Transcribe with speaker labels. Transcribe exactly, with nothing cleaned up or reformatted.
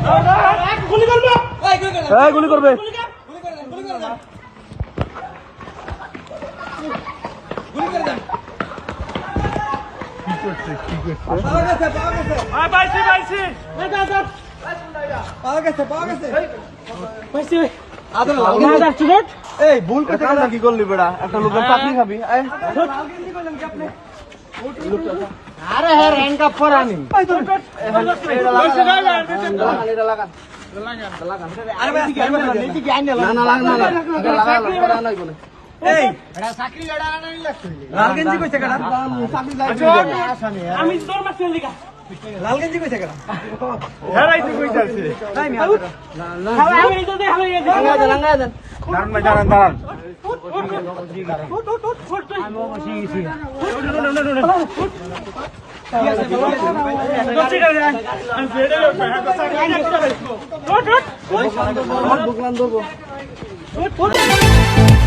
Speaker 1: গুলি করবে
Speaker 2: এই গুলি করবে
Speaker 1: গুলি কর গুলি করে দেন গুলি করে দেন গুলি করে দেন কি করছে কি করছে পাওয়া গেছে পাওয়া গেছে আ পাইছি পাইছি এই দাও দাও পাওয়া গেছে পাওয়া গেছে পাইছি আদর লাগা না স্টুডেন্ট এই ভুল করতে গেল কি করলি বেড়া একটা লোকের চাকরি খাবি এই লালগেঞ্জি কইলাম কি আপনি আরে হে র‍্যাঙ্ক আপ করানি এটা লাগা এটা লাগা আরে ভাই নীতি কি আইনা না না লাগা না লাগা না লাগা এই এটা চাকরি লড়া না নি লাগছে লালগেঞ্জি কইছে কেডা চাকরি লাগবে আমি তোর মাছ লিখা লালগেঞ্জি কইছে কেডা হেরাইতে কইছে আছে তাই মি না না আমি তো দেখ হলো এই লাগা দেন লাগা দেন দাঁড়ান ভাই দাঁড়ান দাঁড়ান আমি বসে গেছি কি আছে আমি বেড়ে লোক ভাই তো চাকরি না বুকলান ধরবো